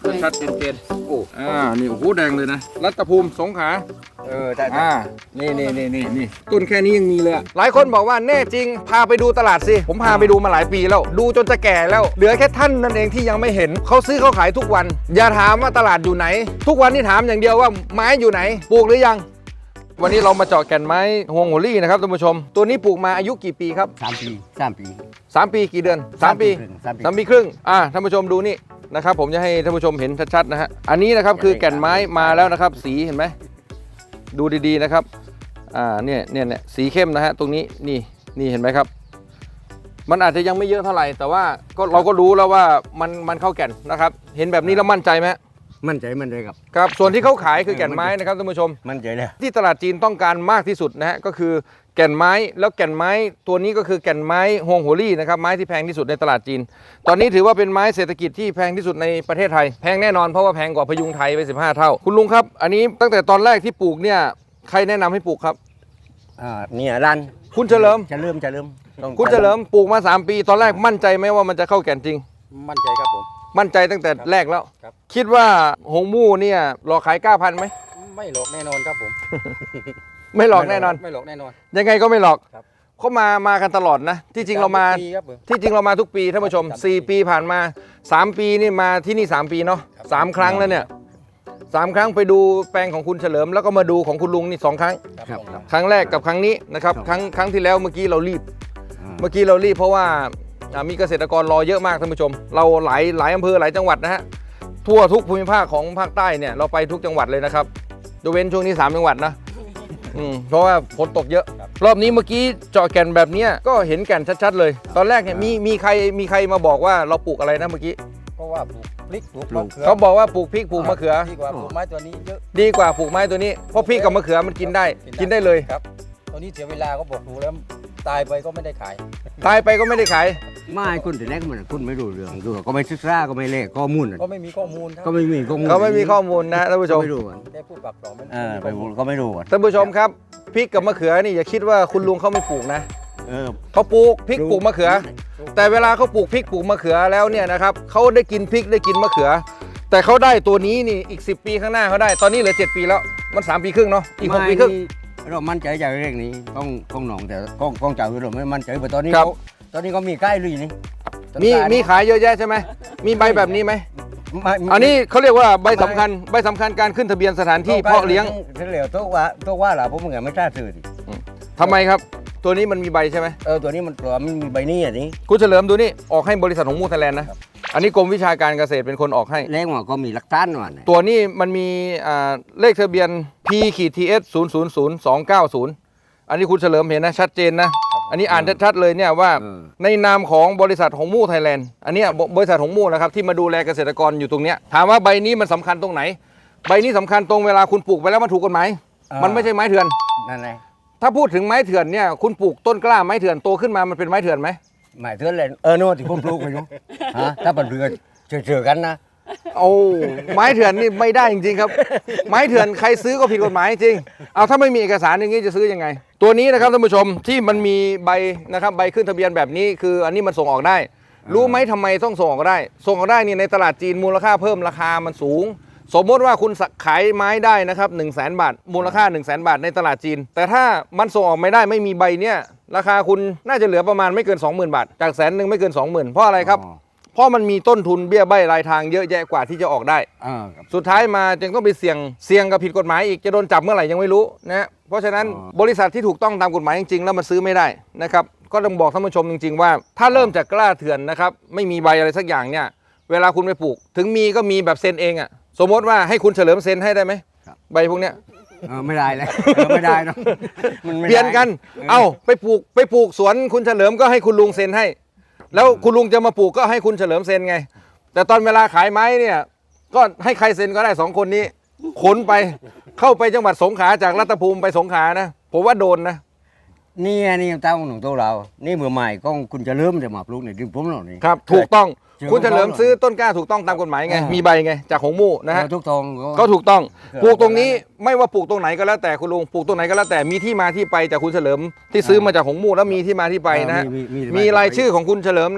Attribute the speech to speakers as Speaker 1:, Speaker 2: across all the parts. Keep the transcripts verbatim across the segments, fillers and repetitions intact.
Speaker 1: ชัดเจนเจนโอ้อ่านี่โอ้โหแดงเลยนะรัตภูมิสงขลาเออใช่อ่านี่นี่นี่นี่นี่ต้นแค่นี้ยังมีเลยหลายคนบอกว่าแน่จริงพาไปดูตลาดสิผมพาไปดูมาหลายปีแล้วดูจนจะแก่แล้วเหลือแค่ท่านนั่นเองที่ยังไม่เห็นเขาซื้อเขาขายทุกวันอย่าถามว่าตลาดอยู่ไหนทุกวันนี่ถามอย่างเดียวว่าไม้อยู่ไหนปลูกหรือยังวันนี้เรามาเจาะแก่นไม้ฮวงหัวลี่นะครับท่านผู้ชมตัวนี้ปลูกมาอายุกี่ปีครับ
Speaker 2: สามปีสามปี
Speaker 1: สามปีกี่เดือนสามปีสามปีครึ่งอ่าท่านผู้ชมดูนี่นะครับผมจะให้ท่านผู้ชมเห็นชัดๆนะฮะอันนี้นะครับคือแก่นไม้มาแล้วนะครับสีเห็นไหมดูดีๆนะครับอ่าเนี่ยเนี่ยเนี่ยสีเข้มนะฮะตรงนี้นี่นี่เห็นไหมครับมันอาจจะยังไม่เยอะเท่าไหร่แต่ว่าก็เราก็รู้แล้วว่ามันมันเข้าแก่นนะครับเห็นแบบนี้แล้วมั่นใจไหม
Speaker 2: มั่นใจมั่นใจครับ
Speaker 1: ครับส่วนที่เขาขายคือแก่นไม้นะครับท่านผู้ชม
Speaker 2: มั่นใจเลย
Speaker 1: ที่ตลาดจีนต้องการมากที่สุดนะฮะก็คือแก่นไม้แล้วแก่นไม้ตัวนี้ก็คือแก่นไม้ฮวงหัวลี่นะครับไม้ที่แพงที่สุดในตลาดจีนตอนนี้ถือว่าเป็นไม้เศรษฐกิจที่แพงที่สุดในประเทศไทยแพงแน่นอนเพราะว่าแพงกว่าพยุงไทยไปสิบห้าเท่าคุณลุงครับอันนี้ตั้งแต่ตอนแรกที่ปลูกเนี่ยใครแนะนำให้ปลูกครับ
Speaker 2: อ่าเนี่ยร้าน
Speaker 1: คุณเฉลิม
Speaker 2: จะเริ่มจะเริ่ม
Speaker 1: คุณเฉลิมปลูกมาสามปีตอนแรกมั่นใจไหมว่ามันจะเข้าแก่นจริง
Speaker 3: มั่นใจครับผม
Speaker 1: มั่นใจตั้งแต่แรกแล้วคิดว่าหงมู่เนี่ยหลอกขายเก้าพันไหม
Speaker 3: ไม่หลอกแน่นอนครับผม
Speaker 1: ไม่หลอกแน่นอน
Speaker 3: ไม่หลอกแน่นอน
Speaker 1: ยังไงก็ไม่หลอกเขามามากันตลอดนะที่จริงเรามาที่จริงเรามาทุกปีท่านผู้ชมสี่ปีผ่านมาสามปีนี่มาที่นี่สามปีเนาะสามครั้งแล้วเนี่ยสามครั้งไปดูแปลงของคุณเฉลิมแล้วก็มาดูของคุณลุงนี่สองครั้งครั้งแรกกับครั้งนี้นะครับครั้งครั้งที่แล้วเมื่อกี้เรารีบเมื่อกี้เรารีบเพราะว่ามีเกษตรกรรอเยอะมากท่านผู้ชมเราหลายหลายอำเภอหลายจังหวัดนะฮะทั่วทุกภูมิภาคของภาคใต้เนี่ยเราไปทุกจังหวัดเลยนะครับยกเว้นช่วงนี้สามจังหวัดนะอืมเพราะว่าฝนตกเยอะรอบนี้เมื่อกี้เจาะแก่นแบบนี้ก็เห็นแก่นชัดๆเลยตอนแรกเนี่ยมีมีใครมีใครมาบอกว่าเราปลูกอะไรนะเมื่อกี้
Speaker 3: ก็ว่าปลูกพริกปลูกมะเขือ
Speaker 1: เขาบอกว่าปลูกพริกปลูกมะเขือ
Speaker 3: ดีกว่าปลูกไม้ตัวนี้เยอะ
Speaker 1: ดีกว่าปลูกไม้ตัวนี้เพราะพริกกับมะเขือมันกินได้กินได้เลย
Speaker 3: ครับตัวนี้เสียเวลาก็บอกดูแล้วตายไปก็ไม่ได้ขาย
Speaker 1: ตายไปก็ไม่ได้ขาย
Speaker 2: ไม่คุณแต่แรกมันคุณไม่รู้เรื่องดูก็ไม่ศึกษาก็ไม่เลขข้อมูล
Speaker 3: ก็ไม่มีข้อมูล
Speaker 2: ก็ไม่มีข้อมูล
Speaker 1: เขาไม่มีข้อมูลนะท่านผู้ชม
Speaker 2: ไม่รู้
Speaker 3: ได้พูดปากต่อไม่
Speaker 2: เออไปก็ไม่รู้
Speaker 1: ท่านผู้ชมครับพริกกับมะเขือนี่อย่าคิดว่าคุณลุงเขาไม่ปลูกนะ
Speaker 2: เออ
Speaker 1: เขาปลูกพริกปลูกมะเขือแต่เวลาเขาปลูกพริกปลูกมะเขือแล้วเนี่ยนะครับเขาได้กินพริกได้กินมะเขือแต่เขาได้ตัวนี้นี่อีกสิบปีข้างหน้าเขาได้ตอนนี้เหลือเจ็ดปีแล้วมันสามปีครึ่งเนาะอีกหกปีครึ่ง
Speaker 2: เรามั่นใจจากเรื่องนี้ต้องต้องหนองแต่ต้องต้องจ่ายเราไม่มั่นใจแต่ตอนนี้เขาตอนนี้เขามีใกล้ลุยนี่
Speaker 1: มีมีขายเยอะแยะใช่ไหมมีใบแบบนี้ไหมอันนี้เขาเรียกว่าใบสำคัญใบสำคัญการขึ้นทะเบียนสถานที่เพาะเลี้ยง
Speaker 2: เหลวตัวว่าตัวว่าหล่ะผมเหมือนไม่กล้าซื้อดิ
Speaker 1: ทำไมครับตัวนี้มันมีใบใช่ไหม
Speaker 2: เออตัวนี้มันตัวมันมีใบนี่อ่ะนี่
Speaker 1: คุณเฉลิมดูนี่ออกให้บริษัทของมูไทยแลนด์นะอันนี้กรมวิชาการเกษตรเป็นคนออกให้
Speaker 2: เลขว่าก็มีหลักฐานว่า
Speaker 1: ตัวนี้มันมีเลขทะเบียน P ที เอส ศูนย์ ศูนย์ ศูนย์ สอง เก้า ศูนย์อันนี้คุณเฉลิมเห็นนะชัดเจนนะอันนี้อ่านชัดๆเลยเนี่ยว่าในนามของบริษัทหงมู่ไทยแลนด์อันนี้บริษัทหงมู่นะครับที่มาดูแลเกษตรกรอยู่ตรงเนี้ยถามว่าใบนี้มันสำคัญตรงไหนใบนี้สำคัญตรงเวลาคุณปลูกไปแล้วมันถูกกฎหมายมันไม่ใช่ไม้เถื่อน
Speaker 2: นั่นไง
Speaker 1: ถ้าพูดถึงไม้เถื่อนเนี่ยคุณปลูกต้นกล้าไม้เถื่อนโตขึ้นมามันเป็นไม้เถื่อนไหม
Speaker 2: ไม้เถื่อนเลยเออโน่ที่ผมปลูกไปอยู่ฮะถ้าเป็นเรือเชื่อๆกันนะ
Speaker 1: โอ้ไม้เถื่อนนี่ไม่ได้จริงๆครับไม้เถื่อนใครซื้อก็ผิดกฎหมายจริงเอาถ้าไม่มีเอกสารอย่างนี้จะซื้อยังไงตัวนี้นะครับท่านผู้ชมที่มันมีใบนะครับใบขึ้นทะเบียนแบบนี้คืออันนี้มันส่งออกได้รู้ไหมทำไมต้องส่งออกได้ส่งออกได้นี่ในตลาดจีนมูลค่าเพิ่มราคามันสูงสมมติว่าคุณขายไม้ได้นะครับหนึ่งแสนบาทมูลค่าหนึ่งแสนบาทในตลาดจีนแต่ถ้ามันส่งออกไม่ได้ไม่มีใบเนี่ยราคาคุณน่าจะเหลือประมาณไม่เกิน สองหมื่น บาทจากแสนหนึ่งไม่เกิน สองหมื่น เพราะอะไรครับเพราะมันมีต้นทุนเบี้ยใบรายทางเยอะแยะกว่าที่จะออกได้สุดท้ายมาจึงต้องไปเสี่ยงเสี่ยงกับผิดกฎหมายอีกจะโดนจับเมื่อไหร่ยังไม่รู้นะเพราะฉะนั้นบริษัทที่ถูกต้องตามกฎหมายจริงๆแล้วมันซื้อไม่ได้นะครับก็ต้องบอกท่านผู้ชมจริงๆว่าถ้าเริ่มจากกล้าเถื่อนนะครับไม่มีใบอะไรสักอย่างเนี่ยเวลาคุณไปปลูกถึงมีก็มีแบบเซ็นเองอ่ะสมมติว่าให้คุณเฉลิมเซ็นให้ได้ไหมใบพวกเนี้ย
Speaker 2: ไม่ได้เลยไม่ได้นะ
Speaker 1: เปลี่ยนกันเอ้าไปปลูกไปปลูกสวนคุณเฉลิมก็ให้คุณลุงเซ็นให้แล้วคุณลุงจะมาปลูกก็ให้คุณเฉลิมเซ็นไงแต่ตอนเวลาขายไม้เนี่ยก็ให้ใครเซ็นก็ได้สองคนนี้ขนไปเข้าไปจังหวัดสงขลาจากรัตภูมิไปสงขลานะผมว่าโดนนะ
Speaker 2: นี่นี่เต้าหนุ่มโตเรานี่เมื่อใหม่ก็คุณจะเริ่มจะมาปลูกในดินผมเหล่านี้
Speaker 1: ครับถูกต้องคุณเฉลิมซื้อต้นกล้าถูกต้องตามกฎหมายไงมีใบไงจากหงมู่นะฮะ
Speaker 2: ทุกตรง
Speaker 1: ก็ถูกต้องปลูกตรงนี้ไม่ว่าปลูกตรงไหนก็แล้วแต่คุณลุงปลูกตรงไหนก็แล้วแต่มีที่มาที่ไปจากคุณเฉลิมที่ซื้อมาจากหงมู่แล้วมีที่มาที่ไปนะมีรายชื่อของคุณเฉลิมนะ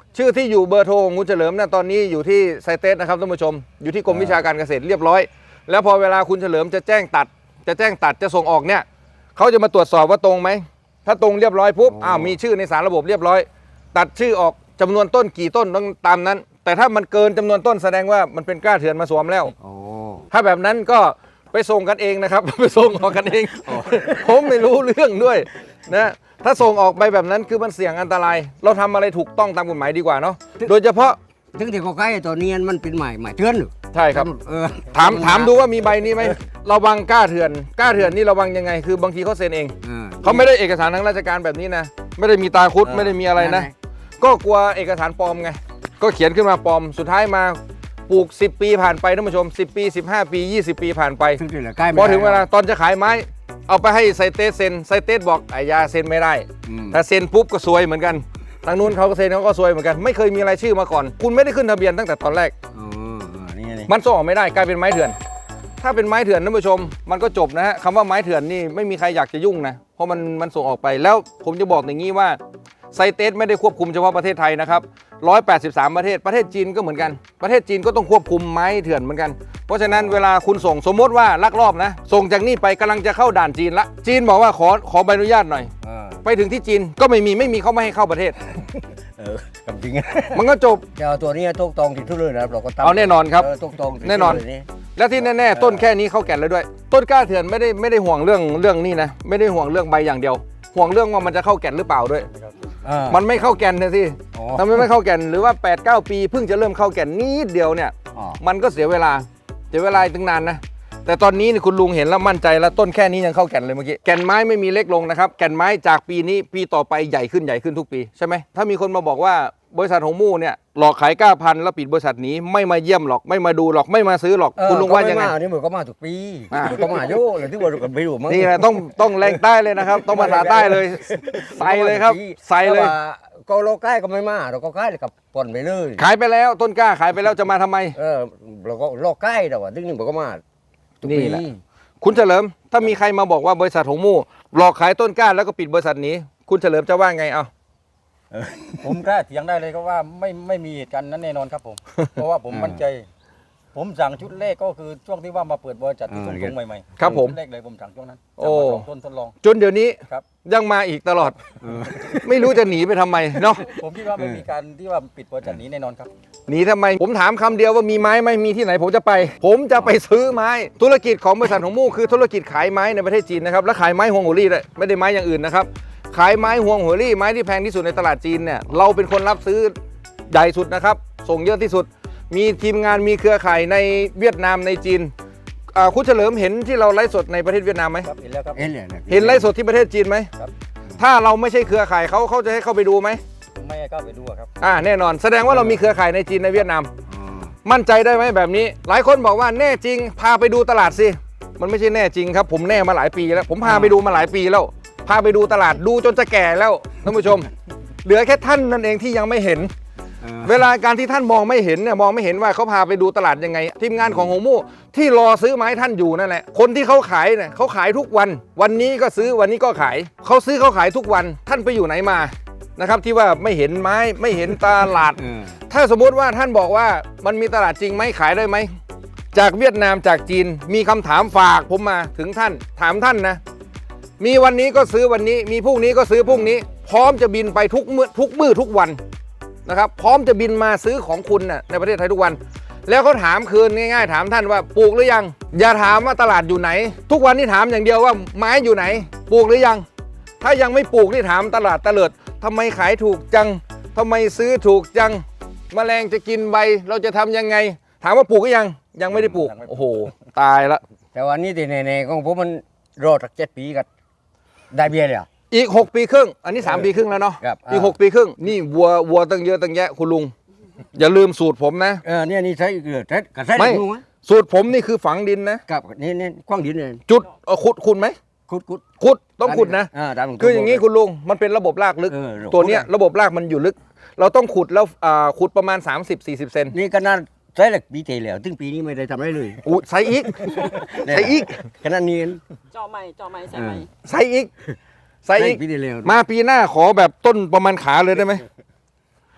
Speaker 1: ชื่อที่อยู่เบอร์โทรของคุณเฉลิมนะตอนนี้อยู่ที่ไซเตสนะครับท่านผู้ชมอยู่ที่กรมวิชาการเกษตรเรียบร้อย แล้วพอเวลาคุณเฉลิมจะแจ้งตัด จะแจ้งตัดจะส่งออกเนี่ยเขาจะมาตรวจสอบว่าตรงไหมถ้าตรงเรียบร้อยปุ๊บอ้าวมีชื่อในสารระบบเรียบร้อย ตัดชื่อออกจำนวนต้นกี่ต้นต้องตามนั้น แต่ถ้ามันเกินจำนวนต้นแสดงว่ามันเป็นกล้าเถื่อนมาสวมแล้ว
Speaker 2: โอ้
Speaker 1: ถ้าแบบนั้นก็ไปส่งกันเองนะครับ ไปส่งออกกันเอง ผมไม่รู้เรื่องด้วยนะถ้าส่งออกไปแบบนั้นคือมันเสี่ยงอันตราย เราทำอะไรถูกต้องตามกฎหมายดีกว่าเนาะโดยเฉพาะ
Speaker 2: ถึงที่เขาใกล้ตัวนี้มันเป็นหมายหมายเตือนหรือ
Speaker 1: ใช่ครับ
Speaker 2: เออ
Speaker 1: ถามถามดูว่ามีใบนี้ไหมระวังกล้าเถื่อนกล้าเถื่อนนี่ระวังยังไงคือบางทีเขาเซ็นเอง
Speaker 2: ออ
Speaker 1: เขาไม่ได้เอกสารทางราชการแบบนี้นะไม่ได้มีตาคุดไม่ได้มีอะไรนะ ก็กลัวเอกสารปลอมไงก็เขียนขึ้นมาปลอมสุดท้ายมาปลูกสิบปีผ่านไปท่านผู้ชมสิบปีสิบห้าปียี่สิบปีผ่านไป
Speaker 2: ถึงที่เหลือใกล้ไม่
Speaker 1: พอ
Speaker 2: ได้
Speaker 1: ถึงเวลาตอนจะขายไม้ เอาไปให้ไซเตสเซ็นไซเตสบอกไอ้ยาเซ็นไม่ได้
Speaker 2: อืม
Speaker 1: ถ้าเซ็นปุ๊บก็ซวยเหมือนกันทางนู้นเขาก็เซ็นเขาก็ซวยเหมือนกันไม่เคยมีรายชื่อมาก่อน คุณไม่ได้ขึ้นทะเบียนตั้งแต่ตอนแรก
Speaker 2: อ๋อเออนี่นี่
Speaker 1: มันส่งออกไม่ได้กลายเป็นไม้เถื่อน ถ้าเป็นไม้เถื่อนท่านผู้ชม มันก็จบนะฮะคำว่าไม้เถื่อนนี่ไม่มีใครอยากจะยุ่งนะเพราะมันมันส่งออกไปแล้วผมจะบอกอย่างนี้ว่าไซเตสไม่ได้ควบคุมเฉพาะประเทศไทยนะครับหนึ่งร้อยแปดสิบสามประเทศประเทศจีนก็เหมือนกันประเทศจีนก็ต้องควบคุมไม้เถื่อนเหมือนกันเพราะฉะนั้นเวลาคุณส่งสมมติว่าลักลอบนะส่งจากนี่ไปกำลังจะเข้าด่านจีนละจีนบอกว่าขอขอใบอนุญาตหน่อย
Speaker 2: เออ
Speaker 1: ไปถึงที่จีนก็ไม่มีไม่มีเขาไม่ให้เข้าประเทศ
Speaker 2: เออกับจริง
Speaker 1: มันก็จบ
Speaker 2: จะเอาตัวนี้ทุกตรงที่ทุเรศนะเราก็ทำ
Speaker 1: เอาแน่นอนครับ
Speaker 2: เทุกตรงที่
Speaker 1: แน่นอน
Speaker 2: ทุเรศ
Speaker 1: และที่แน่ๆต้นแค่นี้เข้าแก่นแล้วด้วย ต้นกล้าเถื่อนไม่ได้ไม่ได้ห่วงเรื่องเรื่องนี้นะไม่ได้ห่วงเรื่องใบอย่างเดียว ห่วงเรื่องว่ามันจะเข้าแก่นหรือเปล่าด้วย
Speaker 2: เออ
Speaker 1: มันไม่เข้าแก่นนะสิ
Speaker 2: อ๋อ
Speaker 1: ทำไมไม่เข้าแก่นหรือว่า แปดเก้า ปีเพิ่งจะเริ่มเข้าแก่นนิดเดียวเนี่ย
Speaker 2: อ๋อ
Speaker 1: มันก็เสียเวลาเสียเวลาตั้งนานนะแต่ตอนนี้นี่คุณลุงเห็นแล้วมั่นใจแล้วต้นแค่นี้ยังเข้าแก่นเลยเมื่อกี้แก่นไม้ไม่มีเล็กลงนะครับแก่นไม้จากปีนี้ปีต่อไปใหญ่ขึ้นใหญ่ขึ้นทุกปีใช่ไหมถ้ามีคนมาบอกว่าบริษัทหงมู่เนี่ยหลอกขายก้าพันธุ์แล้วปิดบริษัทหนี้ไม่มาเยี่ยมหรอกไม่มาดูหรอกไม่มาซื้อหรอก
Speaker 2: เออ
Speaker 1: คุณลุงว่ายังไง
Speaker 2: ก็ม่มนี่เหมือนก็มาทุกปี
Speaker 1: อ่า
Speaker 2: เหมือนก็มาโย่เลยที่ว่าเราไปดูมั้ง
Speaker 1: นี่แหละต้องต้องแรงใต้เลยนะครับ ต้องภาษาใต้เลยใส่เลยครับใส่เลย
Speaker 2: แต่ว่าก็เราใกล้ก็ไม่มาเราก็ใกล้กับปนไปเลย
Speaker 1: ขายไปแล้วต้นกล้าขายไปแล้วจะมาทำไม
Speaker 2: เออเราก็เราใกล้แต่ว่าที่นี่มันก็มาทุก
Speaker 1: นี่
Speaker 2: ปี
Speaker 1: แหละ คุณเฉลิมถ้ามีใครมาบอกว่าบริษัทหงมู่หลอกขายต้นกล้าแล้วก็ปิดบริษัทหนี้คุณเฉลิมจะว่าไงเอา
Speaker 3: ผมกล้าเถียงได้เลยก็ว่าไม่ไม่มีเหตุการณ์นั้นแน่นอนครับผม เพราะว่าผมมั่นใจ ผมสั่งชุดแรกก็คือช่วงที่ว่ามาเปิดบริษัทที่ตรงๆใหม่ๆ
Speaker 1: ครับผม
Speaker 3: ชุดแรกเลยผมสั่งช่วงนั้น
Speaker 1: โอ้
Speaker 3: สั่งมาสองต้นทดลอง
Speaker 1: จนเดี๋ยวนี้
Speaker 3: ครับ
Speaker 1: ยังมาอีกตลอด ไม่รู้จะหนีไปทำไมเนาะ
Speaker 3: ผมคิดว่าไม่มีการที่ว่าปิดบริษัทนี้แน่นอนครับ
Speaker 1: หนีทำไม ผมถามคำเดียวว่ามีไม้ไหมมีที่ไหนผมจะไป ผมจะไปซื้อไม้ ธุรกิจของบริษัทหงมู่คือธุรกิจขายไม้ในประเทศจีนนะครับและขายไม้ฮวงหัวรี่ด้วยไม่ได้ไม้อย่างอื่นนะครับขายไม้ฮวงหัวรี่ไม้ที่แพงที่สุดในตลาดจีนเนี่ยเราเป็นคนรับซื้อใหญ่สุดนะครับส่งเยอะที่สุด มีทีมงานมีเครือข่ายในเวียดนามในจีนอ่าคุณเฉลิมเห็นที่เราไลฟ์สดในประเทศเวียดนามไหม
Speaker 3: ครับเห็นแล้วครับ
Speaker 2: เห็นเลยะ
Speaker 1: เห็นไลฟ์สดที่ประเทศจีนไหม
Speaker 3: ครับ
Speaker 1: ถ้าเราไม่ใช่เครือข่ายเขาเขาจะให้เข้าไปดูไหม
Speaker 3: ไม่ให้เข้าไปดูอะครับ
Speaker 1: อ่าแน่นอนแสดงว่าเรามีเครือข่ายในจีนในเวียดนาม
Speaker 2: อ๋อ
Speaker 1: มั่นใจได้ไหมแบบนี้ หลายคนบอกว่าแน่จริงพาไปดูตลาดสิมันไม่ใช่แน่จริงครับผมแน่มาหลายปีแล้ว ผมพาไปดูมาหลายปีแล้ว พาไปดูตลาดดูจนจะแก่แล้วท่านผู้ชม เหลือแค่ท่านนั่นเองที่ยังไม่เห็น
Speaker 2: เออ
Speaker 1: เวลาการที่ท่านมองไม่เห็นเนี่ยมองไม่เห็นว่าเขาพาไปดูตลาดยังไง ทีมงานของหงมู่ที่รอซื้อไม้ท่านอยู่นั่นแหละคนที่เขาขายเนี่ยเขาขายทุกวัน วันนี้ก็ซื้อวันนี้ก็ขายเขาซื้อเขาขายทุกวันท่านไปอยู่ไหนมานะครับที่ว่าไม่เห็นไม้ไม่เห็นตลาด
Speaker 2: เออ
Speaker 1: ถ้าสมมุติว่าท่านบอกว่ามันมีตลาดจริงไหมขายได้ไหมจากเวียดนามจากจีนมีคำถามฝากผมมาถึงท่านถามท่านนะมีวันนี้ก็ซื้อวันนี้มีพรุ่งนี้ก็ซื้อพรุ่งนี้ พร้อมจะบินไปทุกมื้อทุกมื้อทุกวันนะครับพร้อมจะบินมาซื้อของคุณน่ะในประเทศไทยทุกวัน แล้วเขาถามคืนง่ายๆถามท่านว่าปลูกหรือยังอย่าถามว่าตลาดอยู่ไหน ทุกวันนี้ถามอย่างเดียวว่าไม้อยู่ไหนปลูกหรือยังถ้ายังไม่ปลูกนี่ถามตลาดตะเลิดทำไมขายถูกจังทำไมซื้อถูกจังแมลงจะกินใบเราจะทำยังไง ถามว่าปลูกหรือยังยังไม่ได้ปลูก
Speaker 3: ยังไม่ปลูก
Speaker 1: โอ้โหตายละ
Speaker 2: แต่วันนี้ที่แน่ๆของผมมันรอสักเจ็ดปีกันได้เบี้ยเลยเหรอ่ะ
Speaker 1: อีกหกปีครึ่งอันนี้สามปีครึ่งแล้วเนาะ
Speaker 2: ครับ
Speaker 1: อีกหกปีครึ่งนี่วัววัวตั้งเยอะตั้งแยะคุณลุงอย่าลืมสูตรผมนะ
Speaker 2: เออเนี่ยนี่ใช้เกลือใช้กระใช้
Speaker 1: ไม่
Speaker 2: ดูไหม
Speaker 1: สูตรผมนี่คือฝังดินนะ
Speaker 2: กับนี่นี่กว้างดินเลย
Speaker 1: จุดเอ่อขุดขุดไหม
Speaker 2: ขุดขุด
Speaker 1: ขุดต้องขุดนะ
Speaker 2: อ่าตามตรง
Speaker 1: คืออย่างนี้คุณลุงมันเป็นระบบรากลึก
Speaker 2: เออ
Speaker 1: ตัวเนี้ยระบบรากมันอยู่ลึก เราต้องขุดแล้วอ่าขุดประมาณ สามสิบสี่สิบ เซน
Speaker 2: นี่ขนาดใช้เหล็กปีเตแล้วถึงปีนี้ไม่ได้ทำอะไรเลย
Speaker 1: อู้ใส่อีกใส่อีก
Speaker 2: ขนาดนี้
Speaker 4: เจาะใหม่เจาะใหม่ใส่ใหม่
Speaker 1: ใส่อีกใส่อีก
Speaker 2: ปีเตแล้ว
Speaker 1: มาปีหน้าขอแบบต้นประมาณขาเลยได้ไหม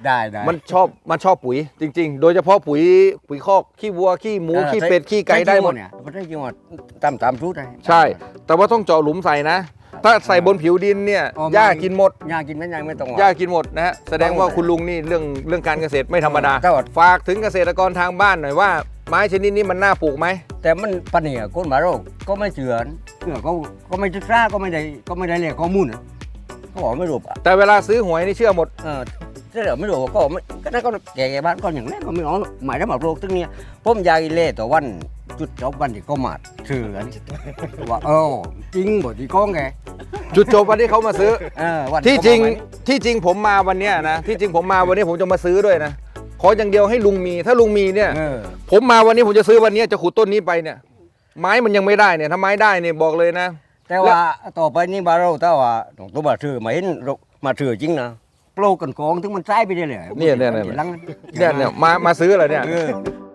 Speaker 2: ได้ได้
Speaker 1: มันชอบมันชอบปุ๋ยจริง ๆ โดยเฉพาะปุ๋ยปุ๋ยคอกขี้วัวขี้หมูขี้เป็ดขี้ไก่ได้หมด
Speaker 2: เนี่ยมันได้จริงหมดตามตามชุดได้
Speaker 1: ใช่ แต่ว่าต้องเจาะหลุมใส่นะ ถ้าใส่บนผิวดินเนี่ย
Speaker 2: อ๋อ
Speaker 1: หญ้ากินหมด
Speaker 2: ยากินไม่ยังไม่ต้อง
Speaker 1: หญ้ากินหมดนะฮะแสดงว่าคุณลุงนี่เรื่องเรื่องการเกษตรไม่ธรรมดา
Speaker 2: ถ้าว่า
Speaker 1: ฝากถึงเกษตรกรทางบ้านหน่อยว่าไม้ชนิดนี้มันน่าปลูกไหม
Speaker 2: แต่มันปนเนี่ยคนมาโรคก็ไม่เชื่อเชื่อก็ก็ไม่ศึกษาก็ไม่ได้ก็ไม่ได้เรียกข้อมูลนะก็บอกไม่รู้อ่ะ
Speaker 1: แต่เวลาซื้อหวยนี่เชื่อหมด
Speaker 2: เออถ้าเดี๋ยวไม่รู้ก็ไม่ก็นั่นก็แก่ๆบ้านก็อย่างแรกก็ไม่เอาหมายถึงมาโรคตึงเนี้ยผมยายเล่ต่อวันจุดจบวันที่ก็มาเชื่อกันว่าเออจริงบ่ที่ก้องแก
Speaker 1: จุดจบวันที่เขามาซื้อ
Speaker 2: เออวัน
Speaker 1: ที่จริง
Speaker 2: เขามา
Speaker 1: ที่จริงผมมาวันเนี้ยนะที่จริงผมมาวันนี้ผมจะมาซื้อด้วยนะขออย่างเดียวให้ลุงมีถ้าลุงมีเนี่ย
Speaker 2: เออ
Speaker 1: ผมมาวันนี้ผมจะซื้อวันนี้จะขุดต้นนี้ไปเนี่ย ไม้มันยังไม่ได้เนี่ยถ้าไม้ได้เนี่ยบอกเลยนะ
Speaker 2: แต่ว่าต่อไปนี่บาเราถ้าว่าตรงตัวมาถือมาเห็นเรามาถือจริงนะโปรกันกองถึงมันใช้ไปได้เลย
Speaker 1: เนี่ยเนี่ยเนี่ย
Speaker 2: ทีหลัง
Speaker 1: เนี่ยเนี่ยมามาซื้อเหรอเนี่ย
Speaker 2: เออ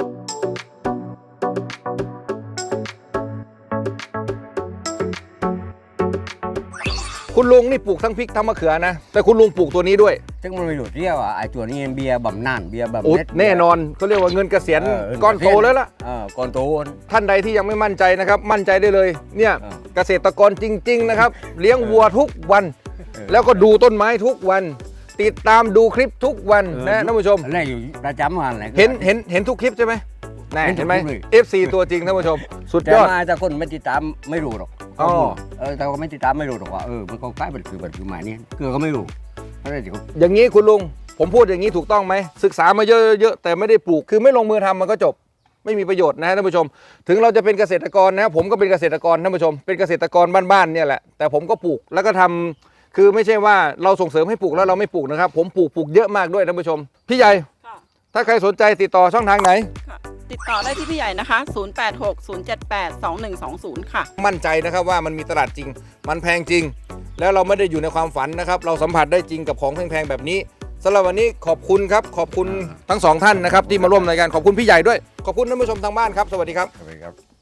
Speaker 1: คุณลุงนี่ปลูกทั้งพริกทั้งมะเขือนะแต่คุณลุงปลูกตัวนี้ด้วย
Speaker 2: ซึ่งมันไม่รู้เรียกว่าไอ้ตัวนี้เบียร์บำนาญเบียร์บำ
Speaker 1: โอ้
Speaker 2: เน็ต
Speaker 1: แน่นอนเขาเรียกว่าเงินเกษียณ
Speaker 2: เออ
Speaker 1: ก้อนโตแล้วล่ะ
Speaker 2: เออก้อนโต
Speaker 1: ท่านใดที่ยังไม่มั่นใจนะครับ มั่นใจได้เลยเนี่ย
Speaker 2: เออ
Speaker 1: เกษตรกรจริง ๆ นะครับ เลี้ยงวัวทุกวัน
Speaker 2: เออ
Speaker 1: แล้วก็ดูต้นไม้ทุกวัน ติดตามดูคลิปทุกวันนะท่านผู้ชม
Speaker 2: อะไรอยู่ประจำวันอะไร
Speaker 1: เห็นเห็นเห็นทุกคลิปใช่ไหมแน่
Speaker 2: เห็นทุก
Speaker 1: เห็นไหม
Speaker 2: คลิปเลย
Speaker 1: เอฟ ซี ตัวจริงท่านผู้ชม สุด
Speaker 2: แต่
Speaker 1: ยอด
Speaker 2: มาแต่คนไม่ติดตามไม่รู้หรอก
Speaker 1: อ๋อ
Speaker 2: เออแต่ก็ไม่ติดตามไม่รู้หรอกว่าเออมันก็ใกล้เป็นคือเป็นคือหมายนี้คือก็ไม่รู้เพราะอะไรที่เขา
Speaker 1: อย่างนี้คุณลุงผมพูดอย่างนี้ถูกต้องไหมศึกษามาเยอะๆแต่ไม่ได้ปลูกคือไม่ลงมือทำมันก็จบ ไม่มีประโยชน์นะท่านผู้ชม ถึงเราจะเป็นเกษตรกรนะผมก็เป็นเกษตรกรท่านผู้ชม เป็นเกษตรกรบ้านๆเนี่ยแหละแต่ผมก็ปลูกแล้วก็ทำคือไม่ใช่ว่าเราส่งเสริมให้ปลูกแล้วเราไม่ปลูกนะครับผมปลูกปลูกเยอะมากด้วยท่านผู้ชมพี่ใหญ่
Speaker 4: ค่ะ
Speaker 1: ถ้าใครสนใจติดต่อช่องทางไหน
Speaker 4: ค่ะ ติดต่อได้ที่พี่ใหญ่นะคะ ศูนย์ แปด หก ศูนย์ เจ็ด แปด สอง หนึ่ง สอง ศูนย์ ค่ะ
Speaker 1: มั่นใจนะครับว่ามันมีตลาดจริง มันแพงจริง แล้วเราไม่ได้อยู่ในความฝันนะครับ เราสัมผัสได้จริงกับของแพงๆแบบนี้สำหรับวันนี้ขอบคุณครับ ขอบคุณทั้งสองท่านนะครับที่มาร่วมรายการขอบคุณพี่ใหญ่ด้วย ขอบคุณท่านผู้ชมทางบ้านครับ สวัสดีครับ
Speaker 2: ครับ